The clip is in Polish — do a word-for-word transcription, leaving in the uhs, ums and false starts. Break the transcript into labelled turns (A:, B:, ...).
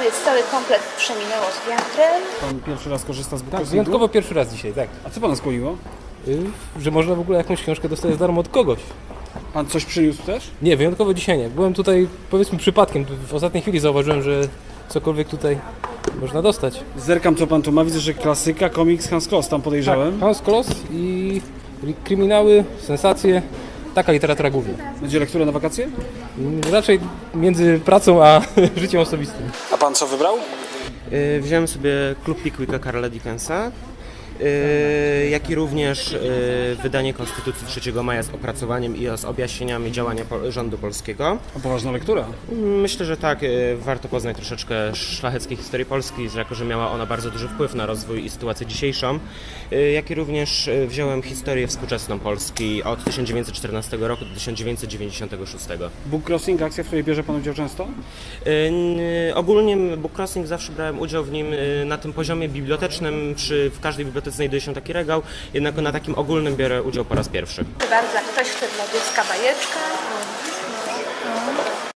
A: tu jest cały komplet Przeminęło z wiatrem.
B: Pan pierwszy raz korzysta z
C: Tak,
B: bookcrossingu?
C: wyjątkowo pierwszy raz dzisiaj, tak.
B: A co pana skłoniło?
C: Y, że można w ogóle jakąś książkę dostać za darmo od kogoś.
B: Pan coś przyniósł też?
C: Nie, wyjątkowo dzisiaj nie. Byłem tutaj, powiedzmy, przypadkiem. W ostatniej chwili zauważyłem, że cokolwiek tutaj można dostać.
B: Zerkam, co pan tu ma. Widzę, że klasyka, komiks Hans Kloss, tam podejrzałem.
C: Tak, Hans Kloss i kryminały, sensacje. Taka literatura główna.
B: Będzie lektura na wakacje?
C: Raczej między pracą a życiem osobistym.
B: A pan co wybrał?
D: Yy, Wziąłem sobie Klub Pickwicka Karla Dickensa, yy, jak i również yy, wydanie Konstytucji trzeciego maja z opracowaniem i z objaśnieniami działania po, rządu polskiego.
B: A poważna lektura.
D: Myślę, że tak, yy, warto poznać troszeczkę szlacheckiej historii Polski, że jako że miała ona bardzo duży wpływ na rozwój i sytuację dzisiejszą, yy, jak i również yy, wziąłem historię współczesną Polski od tysiąc dziewięćset czternastego roku do tysiąc dziewięćset dziewięćdziesiątego szóstego.
B: Bookcrossing, akcja, w której bierze pan udział często?
D: Yy, Ogólnie Bookcrossing zawsze brałem udział w nim yy, na tym poziomie bibliotecznym, przy, w każdej bibliotece znajduje się taki regał, jednak na takim ogólnym biorę udział po raz pierwszy.
A: Proszę bardzo, ktoś chce dla dziecka bajeczkę. No.